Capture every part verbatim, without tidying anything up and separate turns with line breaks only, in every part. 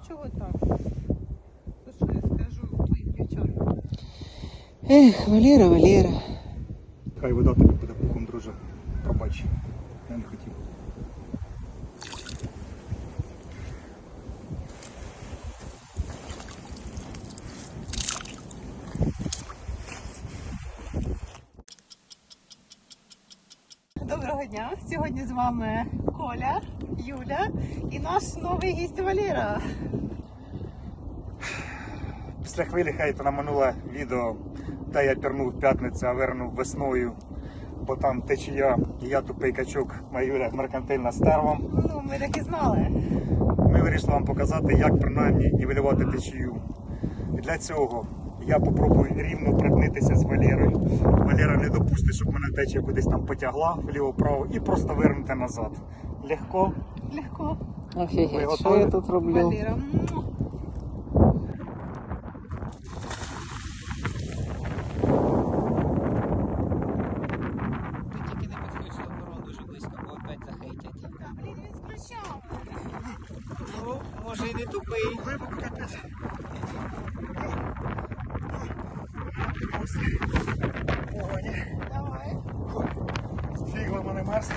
чого так? То що я скажу твоїм дівчатам?
Ех, Валера, Валера.
Хай вода тобі буде пухом, друже. Пробач. Я не хотів.
Доброго дня! Сьогодні з вами Коля, Юля і наш новий гість Валера.
Після хвилі хейту на минуле відео, де я пірнув в п'ятницю, а вернув весною, бо там течія, і я тупий качок, моя Юля меркантильна стерва.
Ну, ми так і знали.
Ми вирішили вам показати, як принаймні нівелювати течію. І для цього я попробую рівно припнитися з Валерою. Валера не допустить, щоб мене течія кудись там потягла вліво-вправо і просто вернути назад. Легко.
Легко.
Ви
Офігеть, що
готові?
я тут роблю?
Валера. му.
Ти тільки не підходь до ворон дуже близько, бо опять захейтять.
Та, блін, він з ключами.
Ну, може і не тупий.
Глибоко капець. Погоні.
Давай.
Фігла мене мерз.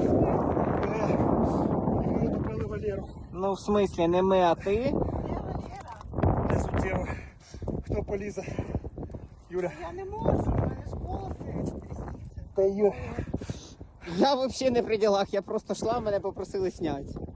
І ми утопили Валеру.
Ну, в смислі, не ми, а ти?
Де Валера?
Не суттєво. Хто полізе? Юля.
Я не можу, в мене ж волоси трясуться.
Та Юля.
Я взагалі не при ділах, я просто йшла, мене попросили зняти.